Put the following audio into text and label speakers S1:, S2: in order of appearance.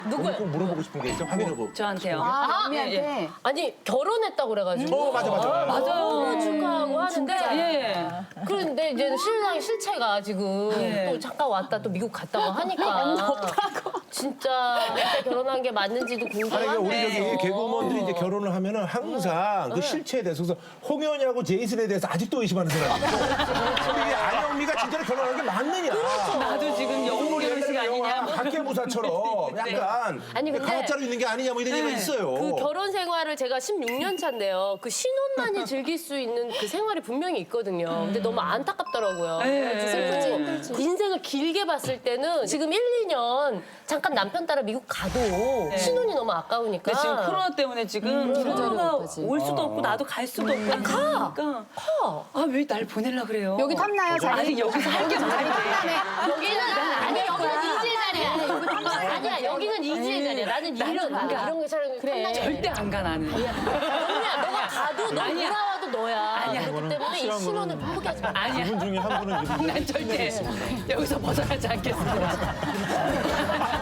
S1: 누구요?
S2: 꼭 물어보고 싶은 게 있어. 확인해보고.
S3: 저한테요.
S4: 아,
S3: 예, 예.
S4: 언니한테.
S1: 아니 결혼했다고 그래가지고
S2: 맞아.
S1: 너무 축하하고 하는데
S3: 예.
S1: 그런데 이제 신랑이 실체가 지금
S3: 예.
S1: 또 잠깐 왔다 또 미국 갔다고 하니까 진짜 그때 결혼한 게 맞는지도
S2: 아니, 그러니까 우리
S1: 궁금하네.
S2: 저기 개그우먼들이 이제 결혼을 하면은 항상 그 실체에 대해서 그래서 홍현이하고 제이슨에 대해서 아직도 의심하는 사람이 있고 이게 안영미가 진짜로 결혼한 게 맞느냐.
S3: 나도 지금 영웅 결혼식 아니냐. 뭐.
S2: 학계부사처럼 약간
S1: 아니, 근데
S2: 가짜로 있는 게 아니냐 뭐 이런 얘기가 있어요.
S1: 그 결혼 생활을 제가 16년 차인데요. 그 신혼만이 즐길 수 있는 그 생활이 분명히 있거든요. 근데 너무 안타깝더라고요. 슬프지. 인생을 길게 봤을 때는 지금 1, 2년 잠깐 남편 따라 미국 가도 신혼이 너무 아까우니까.
S3: 근데 지금 코로나 때문에 지금 코로나가
S4: 못하지.
S3: 올 수도 없고 나도 갈 수도 없고 그러니까 아 왜 날 보내려 그래요?
S4: 여기 탐나요, 자리?
S3: 아니 여기서 할 게 많은데
S1: 여기는 아니 여기는 이지의 자리야. 아니야 여기는 이지의 자리야. 나는 이런 게 사람 그래.
S3: 절대 안 가 나는.
S1: 언니야 너가 가도 너
S3: 아니야.
S1: 돌아와도 너야.
S3: 아니야.
S1: 그렇기 때문에 이 신혼을 포기하지 마.
S3: 아니야.
S5: 분 중에 한 분은
S3: 난 절대 여기서 벗어나지 않겠습니다.